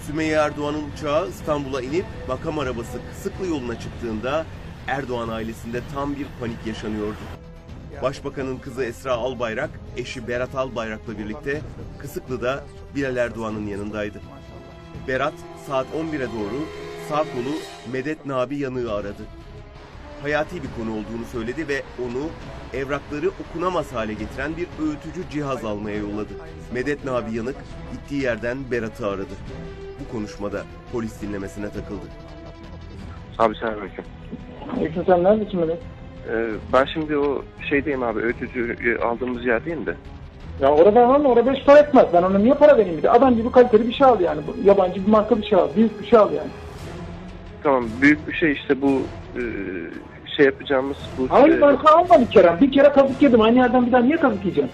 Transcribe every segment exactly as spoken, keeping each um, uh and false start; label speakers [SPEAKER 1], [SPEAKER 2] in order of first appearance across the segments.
[SPEAKER 1] Sümeyye Erdoğan'ın uçağı İstanbul'a inip makam arabası Kısıklı yoluna çıktığında Erdoğan ailesinde tam bir panik yaşanıyordu. Başbakanın kızı Esra Albayrak, eşi Berat Albayrak'la birlikte Kısıklı'da Bilal Erdoğan'ın yanındaydı. Berat saat on bire doğru sağ kolu Medet Nabi Yanık'ı aradı. Hayati bir konu olduğunu söyledi ve onu evrakları okunamaz hale getiren bir öğütücü cihaz almaya yolladı. Medet Nabi Yanık gittiği yerden Berat'ı aradı. Bu konuşmada polis dinlemesine takıldı.
[SPEAKER 2] Abi selamünaleyküm.
[SPEAKER 3] Aleyküm sen neredesin Melek?
[SPEAKER 2] Ee, ben şimdi o şeydeyim abi, öğütücü aldığımız yerdeyim de.
[SPEAKER 3] Ya orada var mı? Orada beş para etmez. Ben ona niye para vereyim bir de? Adam gibi kaliteli bir şey al yani. Bu, yabancı bir marka bir şey al. Büyük bir şey al yani.
[SPEAKER 2] Tamam, büyük bir şey işte bu e, şey yapacağımız bu...
[SPEAKER 3] Aynı
[SPEAKER 2] e...
[SPEAKER 3] marka alma bir kere. Bir kere kazık yedim. Aynı yerden bir daha niye kazık yiyeceğim?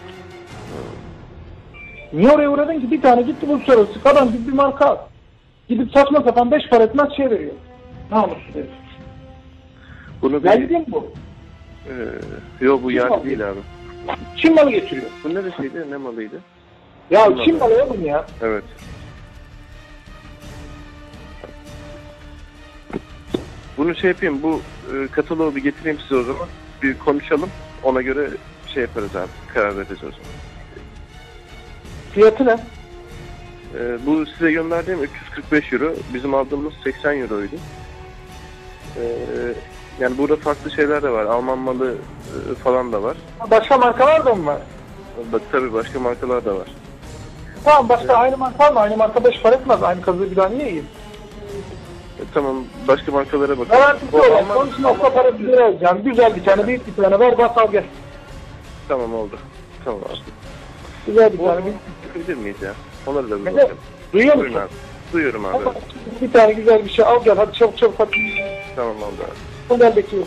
[SPEAKER 3] Niye oraya uğradın ki? Bir tane gitti bu uluslararası. Adam gibi bir marka al. Gidip saçma sapan beş para etmez şey veriyor. Namussuz herif.
[SPEAKER 2] Bunu bir...
[SPEAKER 3] Geldi mi bu?
[SPEAKER 2] Ee, yok bu yerli değil abi.
[SPEAKER 3] Çin malı getiriyor.
[SPEAKER 2] Bu neresiydi? Ne malıydı?
[SPEAKER 3] Ya
[SPEAKER 2] Çin,
[SPEAKER 3] Çin malı oğlum ya.
[SPEAKER 2] Evet. Bunu şey yapayım, bu e, kataloğu bir getireyim size o zaman. Bir konuşalım. Ona göre şey yaparız abi. Karar vereceğiz o zaman.
[SPEAKER 3] Fiyatı ne?
[SPEAKER 2] E, bu size gönderdiğim üç yüz kırk beş euro. Bizim aldığımız seksen euroydu. E, yani burada farklı şeyler de var. Alman malı e, falan da var.
[SPEAKER 3] Başka markalar da mı var?
[SPEAKER 2] Bak tabii başka markalar da var.
[SPEAKER 3] Tamam başka
[SPEAKER 2] Evet.
[SPEAKER 3] Aynı marka alma. Aynı marka beş para etmez. Aynı kazığı bir daha niye yiyeyim?
[SPEAKER 2] E, tamam başka markalara bakalım.
[SPEAKER 3] Garantisi olan sonuç nokta para bir lira alacağım. Güzel bir tane, büyük bir tane ver, bas al gel.
[SPEAKER 2] Tamam oldu. Tamam abi.
[SPEAKER 3] Güzel bir
[SPEAKER 2] Bu
[SPEAKER 3] tane.
[SPEAKER 2] bakabilir miyiz ya? Onları da bir
[SPEAKER 3] Ne?
[SPEAKER 2] bakalım.
[SPEAKER 3] Duyuyor
[SPEAKER 2] Buyurun
[SPEAKER 3] musun?
[SPEAKER 2] abi. Duyuyorum abi.
[SPEAKER 3] Ama bir tane güzel bir şey al gel. Hadi çabuk çabuk hadi.
[SPEAKER 2] Tamam oldu abi.
[SPEAKER 3] O gel bekliyorum.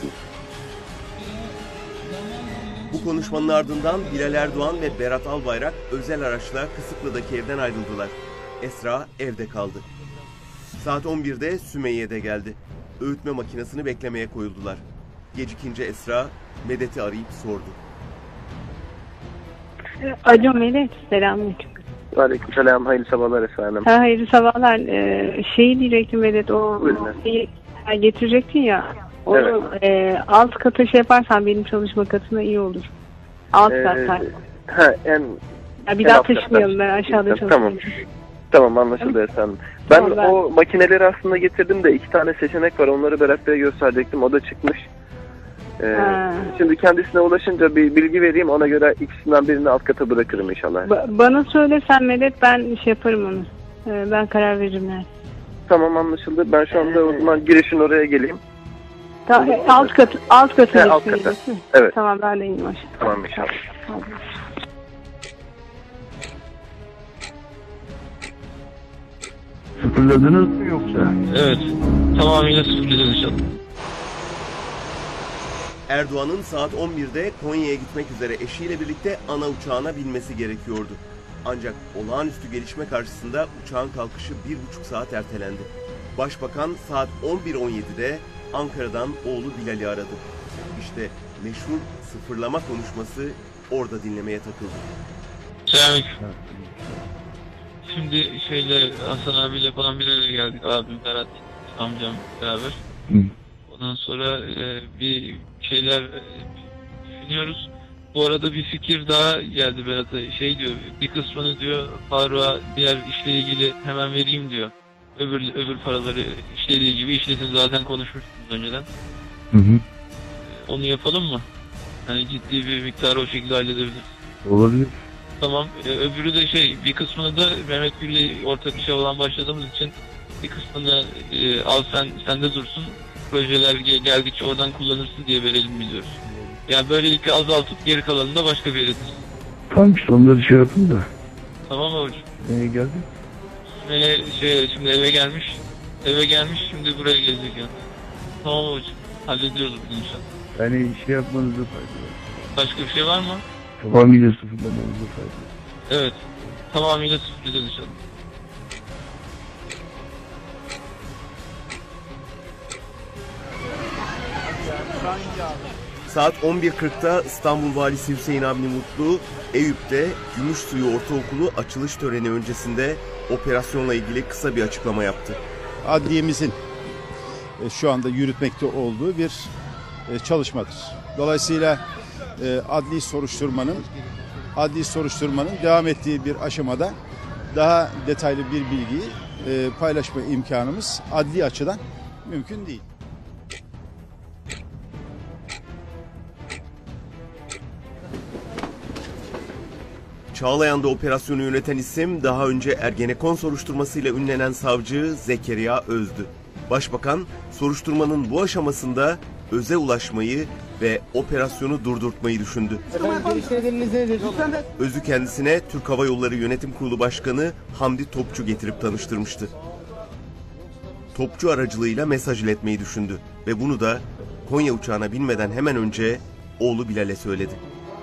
[SPEAKER 1] Bu konuşmanın ardından Bilal Erdoğan ve Berat Albayrak özel araçla Kısıklı'daki evden ayrıldılar. Esra evde kaldı. Saat on birde Sümeyye de geldi. Öğütme makinesini beklemeye koyuldular. Gecikince Esra Medet'i arayıp sordu.
[SPEAKER 4] Alo Melek, selamünaleyküm.
[SPEAKER 2] Aleykümselam, hayırlı sabahlar efendim.
[SPEAKER 4] Ha, hayırlı sabahlar. Ee, şeyi diyecektim Medet, o şeyi getirecektin ya. Onu
[SPEAKER 2] Evet.
[SPEAKER 4] e, alt kata şey yaparsan benim çalışma katına iyi olur. Alt
[SPEAKER 2] Ee,
[SPEAKER 4] kat.
[SPEAKER 2] Ha en...
[SPEAKER 4] Ya bir
[SPEAKER 2] en
[SPEAKER 4] daha
[SPEAKER 2] alt
[SPEAKER 4] taşımayalım, ben
[SPEAKER 2] kattan.
[SPEAKER 4] aşağıda
[SPEAKER 2] Tamam.
[SPEAKER 4] çalışıyorum.
[SPEAKER 2] Tamam anlaşıldı efendim. Ben,
[SPEAKER 4] Tamam, ben-
[SPEAKER 2] o makineleri aslında getirdim de iki tane seçenek var. Onları Berat Bey'e gösterecektim. O da çıkmış. Ee,
[SPEAKER 4] Ha.
[SPEAKER 2] şimdi kendisine ulaşınca bir bilgi vereyim. Ona göre ikisinden birini alt kata bırakırım inşallah.
[SPEAKER 4] Ba- bana söylesen Medet, ben şey yaparım onu. Ee, ben karar veririm yani.
[SPEAKER 2] Tamam anlaşıldı. Ben şu anda o zaman girişin oraya geleyim.
[SPEAKER 4] Ta- e, alt kat, alt katı.
[SPEAKER 2] He, alt kata. Evet.
[SPEAKER 4] Tamam, ben de ineyim aşağı.
[SPEAKER 2] Tamam inşallah.
[SPEAKER 4] Hadi.
[SPEAKER 5] Sıfırladınız mı yoksa?
[SPEAKER 6] Evet. Tamamıyla sıfırlayacağız inşallah.
[SPEAKER 1] Erdoğan'ın saat on birde Konya'ya gitmek üzere eşiyle birlikte ana uçağına binmesi gerekiyordu. Ancak olağanüstü gelişme karşısında uçağın kalkışı bir buçuk saat ertelendi. Başbakan saat on bir on yedide Ankara'dan oğlu Bilal'i aradı. İşte meşhur sıfırlama konuşması orada dinlemeye takıldı.
[SPEAKER 6] Selamünaleyküm. Şimdi şeyle Hasan abiyle falan bir araya geldik. Abim, Berat, amcam beraber.
[SPEAKER 5] Hı.
[SPEAKER 6] Ondan sonra e, bir şeyler e, düşünüyoruz. Bu arada bir fikir daha geldi Berat'a. Şey diyor, bir kısmını diyor Faruk'a diğer işle ilgili hemen vereyim diyor. Öbür öbür paraları işlediği gibi işletin, zaten konuşmuştunuz önceden.
[SPEAKER 5] Hı hı.
[SPEAKER 6] Onu yapalım mı? Hani ciddi bir miktarı o şekilde halledebiliriz.
[SPEAKER 5] Olabilir.
[SPEAKER 6] Tamam. Ee, öbürü de şey, bir kısmını da Mehmet Gül'le ortak işe olan başladığımız için bir kısmını e, al sen sende dursun. Projeler gel- geldikçe oradan kullanırsın diye verelim biliyoruz. Yani böylelikle azaltıp geri kalanını da başka bir yere taşısın.
[SPEAKER 5] Tamam işte onları şey yapın da.
[SPEAKER 6] Tamam mı hocam?
[SPEAKER 5] Neye geldi?
[SPEAKER 6] Böyle şey, şimdi eve gelmiş. Eve gelmiş, şimdi buraya gelecek yani. Tamam hocam. Hallediyoruz bunu inşallah.
[SPEAKER 5] Yani şey yapmanızda fayda var.
[SPEAKER 6] Başka bir şey var mı?
[SPEAKER 5] Tamamıyla sıfırlamanızda fayda var.
[SPEAKER 6] Evet. Tamamıyla sıfırlayacağız inşallah.
[SPEAKER 1] Saat on bir kırkta İstanbul Valisi Hüseyin Avni Mutlu, Eyüp'te Gümüşsuyu Ortaokulu açılış töreni öncesinde operasyonla ilgili kısa bir açıklama yaptı.
[SPEAKER 7] Adliyemizin e, şu anda yürütmekte olduğu bir e, çalışmadır. Dolayısıyla e, adli soruşturmanın adli soruşturmanın devam ettiği bir aşamada daha detaylı bir bilgiyi e, paylaşma imkanımız adli açıdan mümkün değil.
[SPEAKER 1] Çağlayan'da operasyonu yöneten isim daha önce Ergenekon soruşturmasıyla ünlenen savcı Zekeriya Öz'dü. Başbakan soruşturmanın bu aşamasında Öz'e ulaşmayı ve operasyonu durdurtmayı düşündü. Öz'ü kendisine Türk Hava Yolları Yönetim Kurulu Başkanı Hamdi Topçu getirip tanıştırmıştı. Topçu aracılığıyla mesaj iletmeyi düşündü ve bunu da Konya uçağına binmeden hemen önce oğlu Bilal'e söyledi.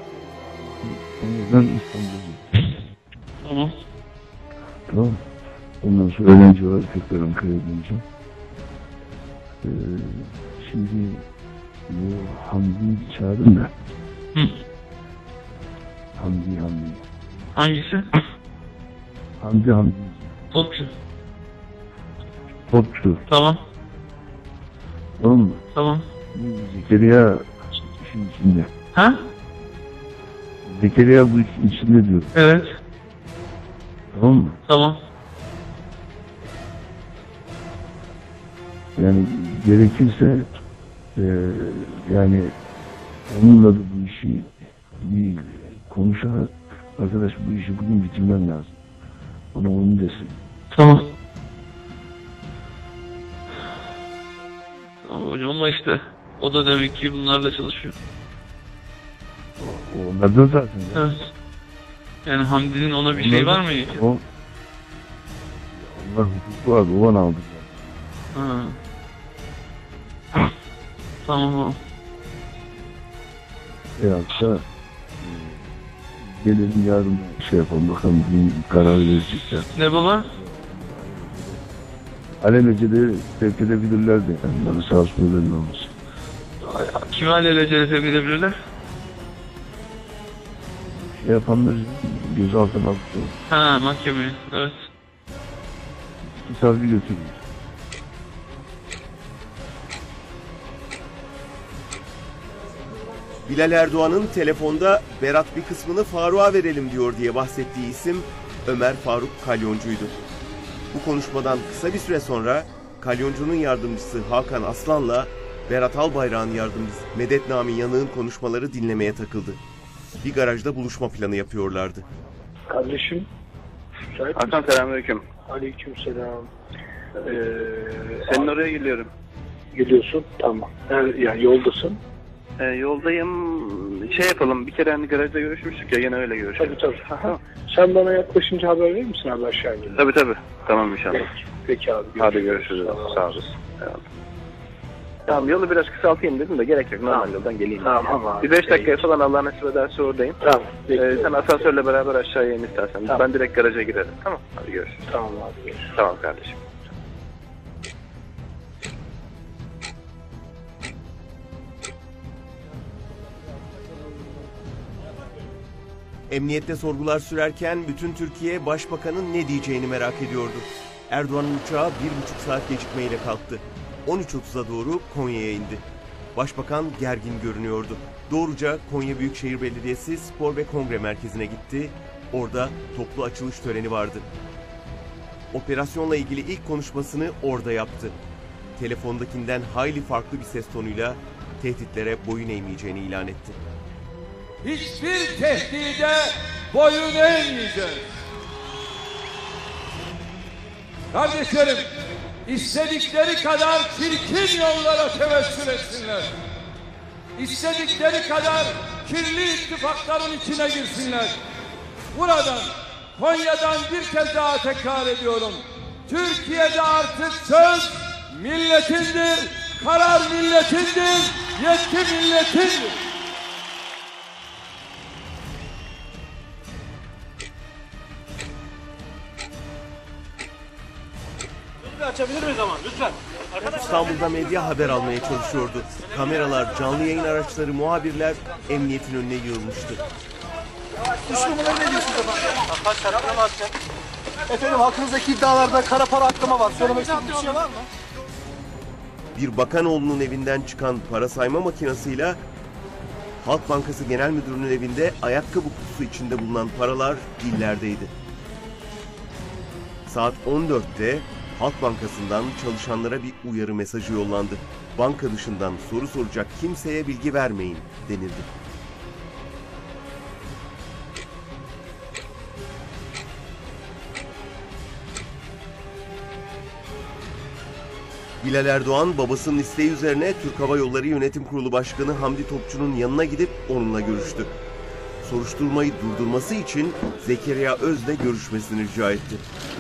[SPEAKER 5] Ben İstanbul'dayım.
[SPEAKER 6] Tamam.
[SPEAKER 5] Tamam. Ondan sonra öğrenci var. Tekrar Ankara'ya döneceğim. Ee, şimdi bu Hamdi'yi çağırdım da.
[SPEAKER 6] Hı.
[SPEAKER 5] Hamdi, Hamdi.
[SPEAKER 6] Hangisi?
[SPEAKER 5] Hamdi, Hamdi.
[SPEAKER 6] Topçu.
[SPEAKER 5] Topçu.
[SPEAKER 6] Tamam.
[SPEAKER 5] Tamam mı?
[SPEAKER 6] Tamam.
[SPEAKER 5] Zekeriya işin içinde.
[SPEAKER 6] Ha?
[SPEAKER 5] Zekeriya bu işin içinde diyor.
[SPEAKER 6] Evet.
[SPEAKER 5] Tamam mı?
[SPEAKER 6] Tamam.
[SPEAKER 5] Yani gerekirse e, yani onunla da bu işi bir konuşarak arkadaş bu işi bugün bitirmen lazım. Ona onu desin.
[SPEAKER 6] Tamam. Tamam hocam ama işte o da demek ki bunlarla çalışıyor.
[SPEAKER 5] Onlar da zaten. Ya.
[SPEAKER 6] Evet. Yani Hamdi'nin ona bir şey var mı?
[SPEAKER 5] O, onlar hukuku vardı. O bana aldı.
[SPEAKER 6] Ha. Tamam o.
[SPEAKER 5] Veyahut da e, gelelim yarın şey yapalım bakalım bir karar verecekler.
[SPEAKER 6] Ne baba?
[SPEAKER 5] Alelacele sevk edebilirler de yani. Bana sağ olsun olmasın.
[SPEAKER 6] Kimi alelacele sevk edebilirler?
[SPEAKER 5] Şey yapanları gözaltına aldı.
[SPEAKER 6] Ha mahkemeye. Evet.
[SPEAKER 5] İki savcı götürüyor.
[SPEAKER 1] Bilal Erdoğan'ın telefonda Berat bir kısmını Faruk'a verelim diyor diye bahsettiği isim Ömer Faruk Kalyoncu'ydu. Bu konuşmadan kısa bir süre sonra Kalyoncu'nun yardımcısı Hakan Aslan'la Berat Albayrak'ın yardımcısı Medet Nami Yanık'ın konuşmaları dinlemeye takıldı. Bir garajda buluşma planı yapıyorlardı.
[SPEAKER 3] Kardeşim.
[SPEAKER 2] Hakan selamünaleyküm.
[SPEAKER 3] Aleykümselam. Ee,
[SPEAKER 2] Senin oraya geliyorum.
[SPEAKER 3] Geliyorsun. Tamam. Yani, yani yoldasın.
[SPEAKER 2] Ee, yoldayım. Şey yapalım. Bir kere hani garajda görüşmüştük ya. Yine öyle görüşelim.
[SPEAKER 3] Tabii tabii. Aha. Sen bana yaklaşınca haber verir misin abi aşağı ince?
[SPEAKER 2] Tabii tabii. Tamam inşallah.
[SPEAKER 3] Peki, Peki abi. Görüşürüz.
[SPEAKER 2] Hadi görüşürüz. Sağ olasın. Eyvallah. Tamam yolu biraz kısaltayım dedim de gerek yok. Normal
[SPEAKER 3] Tamam.
[SPEAKER 2] yoldan geleyim.
[SPEAKER 3] Tamam abi.
[SPEAKER 2] Bir beş dakikaya falan Allah nasip ederse oradayım.
[SPEAKER 3] Tamam.
[SPEAKER 2] Ee, sen asansörle beraber aşağıya in istersen.
[SPEAKER 3] Tamam.
[SPEAKER 2] Ben direkt garaja girerim. Tamam. Hadi görüşürüz.
[SPEAKER 3] Tamam abi. Görüşürüz.
[SPEAKER 2] Tamam kardeşim.
[SPEAKER 1] Emniyette sorgular sürerken bütün Türkiye Başbakan'ın ne diyeceğini merak ediyordu. Erdoğan'ın uçağı bir buçuk saat gecikmeyle kalktı. on üç otuza doğru Konya'ya indi. Başbakan gergin görünüyordu. Doğruca Konya Büyükşehir Belediyesi Spor ve Kongre Merkezi'ne gitti. Orada toplu açılış töreni vardı. Operasyonla ilgili ilk konuşmasını orada yaptı. Telefondakinden hayli farklı bir ses tonuyla tehditlere boyun eğmeyeceğini ilan etti.
[SPEAKER 8] Hiçbir tehdide boyun eğmeyeceğiz. Kardeşlerim, istedikleri kadar çirkin yollara tevessül etsinler. İstedikleri kadar kirli ittifakların içine girsinler. Buradan, Konya'dan bir kez daha tekrar ediyorum. Türkiye'de artık söz milletindir, karar milletindir, yetki milletindir.
[SPEAKER 9] Açabilir miyiz ama lütfen? Arkadaşlar.
[SPEAKER 1] İstanbul'da medya haber almaya çalışıyordu. Kameralar, canlı yayın araçları, muhabirler emniyetin önüne yığılmıştı.
[SPEAKER 9] Üç numaralı ne diyorsunuz efendim? Kaç şartına mı atacak? Efendim hakkınızdaki iddialarda kara para aklama var. Söylemek istediğiniz bir şey var mı?
[SPEAKER 1] Bir bakanoğlunun evinden çıkan para sayma makinasıyla Halk Bankası Genel Müdürü'nün evinde ayakkabı kutusu içinde bulunan paralar dillerdeydi. Saat on dörtte Halk Bankası'ndan çalışanlara bir uyarı mesajı yollandı. Banka dışından soru soracak kimseye bilgi vermeyin denildi. Bilal Erdoğan babasının isteği üzerine Türk Hava Yolları Yönetim Kurulu Başkanı Hamdi Topçu'nun yanına gidip onunla görüştü. Soruşturmayı durdurması için Zekeriya Öz'le görüşmesini rica etti.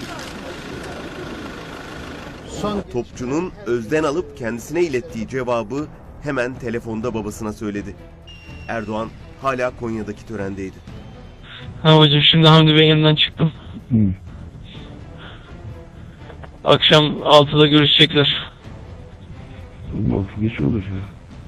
[SPEAKER 1] Topçu'nun Öz'den alıp kendisine ilettiği cevabı hemen telefonda babasına söyledi. Erdoğan hala Konya'daki törendeydi.
[SPEAKER 6] Ha hocam, şimdi Hamdi Bey'in yanından çıktım.
[SPEAKER 5] Hı.
[SPEAKER 6] Akşam altıda görüşecekler.
[SPEAKER 5] Altı geç olur ya.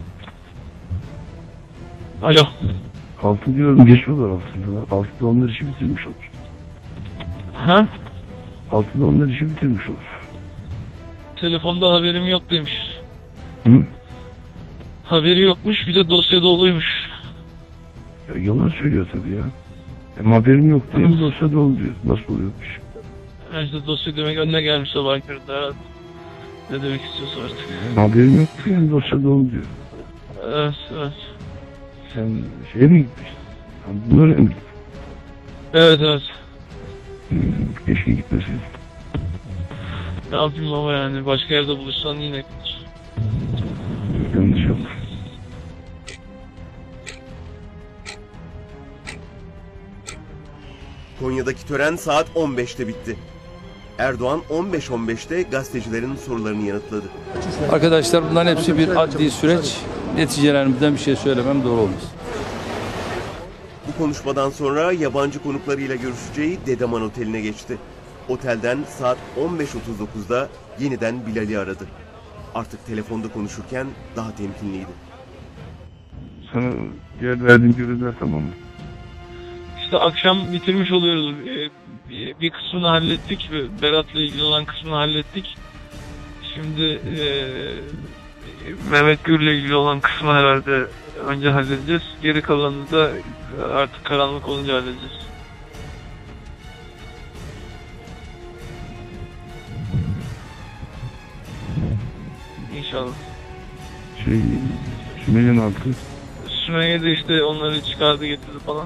[SPEAKER 6] Alo.
[SPEAKER 5] Altı diyorum, geç olur altıda. Altıda onlar işi bitirmiş olur.
[SPEAKER 6] Ha?
[SPEAKER 5] Altıda onlar işi bitirmiş olur.
[SPEAKER 6] Telefonda haberim yok demiş.
[SPEAKER 5] Hı?
[SPEAKER 6] Haberi yokmuş, bir de dosya doluymuş.
[SPEAKER 5] Ya yalan söylüyor tabii ya. Hem haberim yok diye mi dosya dolu diyor. Nasıl oluyormuş?
[SPEAKER 6] İşte dosya demek önüne gelmiş sabah köründe herhalde. Ne demek istiyorsa artık.
[SPEAKER 5] Hem haberim yok diye mi dosya dolu diyor.
[SPEAKER 6] Evet, evet.
[SPEAKER 5] Sen şeye mi gitmişsin? Bunlara mı gittin?
[SPEAKER 6] Evet, evet.
[SPEAKER 5] Hmm, keşke gitmeseydin.
[SPEAKER 6] Ne yapayım baba yani, başka yerde buluşsan yine gider.
[SPEAKER 5] Yanlış oldu.
[SPEAKER 1] Konya'daki tören saat on beşte bitti. Erdoğan on beş on beşte gazetecilerin sorularını yanıtladı.
[SPEAKER 8] Arkadaşlar bunların hepsi bir adli süreç. Neticelerimizden bir şey söylemem doğru olmaz.
[SPEAKER 1] Bu konuşmadan sonra yabancı konuklarıyla görüşeceği Dedeman Oteli'ne geçti. Otelden saat on beş otuz dokuzda yeniden Bilal'i aradı. Artık telefonda konuşurken daha temkinliydi.
[SPEAKER 5] Sana diğer verdiğim görevler tamam mı?
[SPEAKER 6] İşte akşam bitirmiş oluyoruz. Bir, bir kısmını hallettik. Berat'la ilgili olan kısmını hallettik. Şimdi e, Mehmet Gür'le ilgili olan kısmı herhalde önce halledeceğiz. Geri kalanını da artık karanlık olunca halledeceğiz. İnşallah.
[SPEAKER 5] Şey, Sümeyye'nin altı.
[SPEAKER 6] Sümeyye de işte onları çıkardı getirdi falan.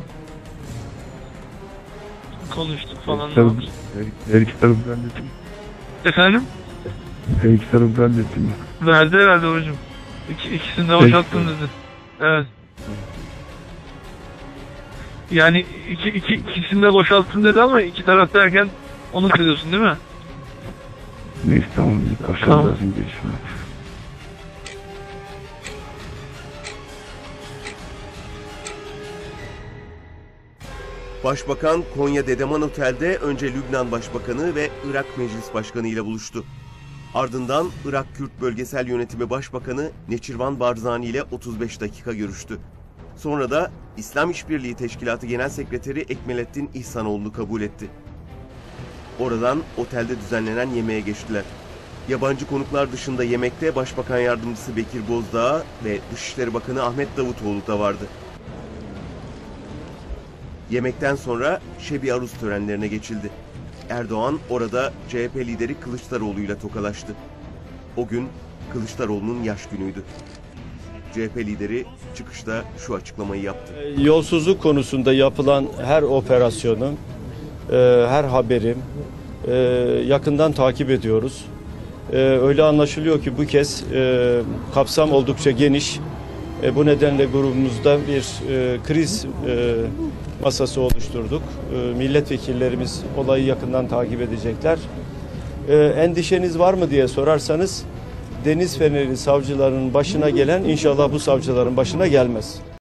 [SPEAKER 6] Konuştuk falan.
[SPEAKER 5] Her, her, her iki tarafı hallettim.
[SPEAKER 6] Efendim?
[SPEAKER 5] Her iki tarafı hallettim.
[SPEAKER 6] Verdi herhalde hocam. İki, ikisini de boşalttım dedi. Evet. Yani iki, iki, ikisini de boşalttım dedi ama iki taraf derken onu kırıyorsun değil mi?
[SPEAKER 5] Neyse tamam. Aşağıda
[SPEAKER 6] Tamam.
[SPEAKER 5] gelişme.
[SPEAKER 1] Başbakan Konya Dedeman Otel'de önce Lübnan Başbakanı ve Irak Meclis Başkanı ile buluştu. Ardından Irak Kürt Bölgesel Yönetimi Başbakanı Neçirvan Barzani ile otuz beş dakika görüştü. Sonra da İslam İşbirliği Teşkilatı Genel Sekreteri Ekmelettin İhsanoğlu'nu kabul etti. Oradan otelde düzenlenen yemeğe geçtiler. Yabancı konuklar dışında yemekte Başbakan Yardımcısı Bekir Bozdağ ve Dışişleri Bakanı Ahmet Davutoğlu da vardı. Yemekten sonra şebi aruz törenlerine geçildi. Erdoğan orada C H P lideri Kılıçdaroğlu'yla tokalaştı. O gün Kılıçdaroğlu'nun yaş günüydü. C H P lideri çıkışta şu açıklamayı yaptı.
[SPEAKER 10] Yolsuzluk konusunda yapılan her operasyonu, her haberim yakından takip ediyoruz. Öyle anlaşılıyor ki bu kez kapsam oldukça geniş. Bu nedenle grubumuzda bir kriz masası oluşturduk. Milletvekillerimiz olayı yakından takip edecekler. Endişeniz var mı diye sorarsanız, Deniz Feneri savcılarının başına gelen inşallah bu savcıların başına gelmez.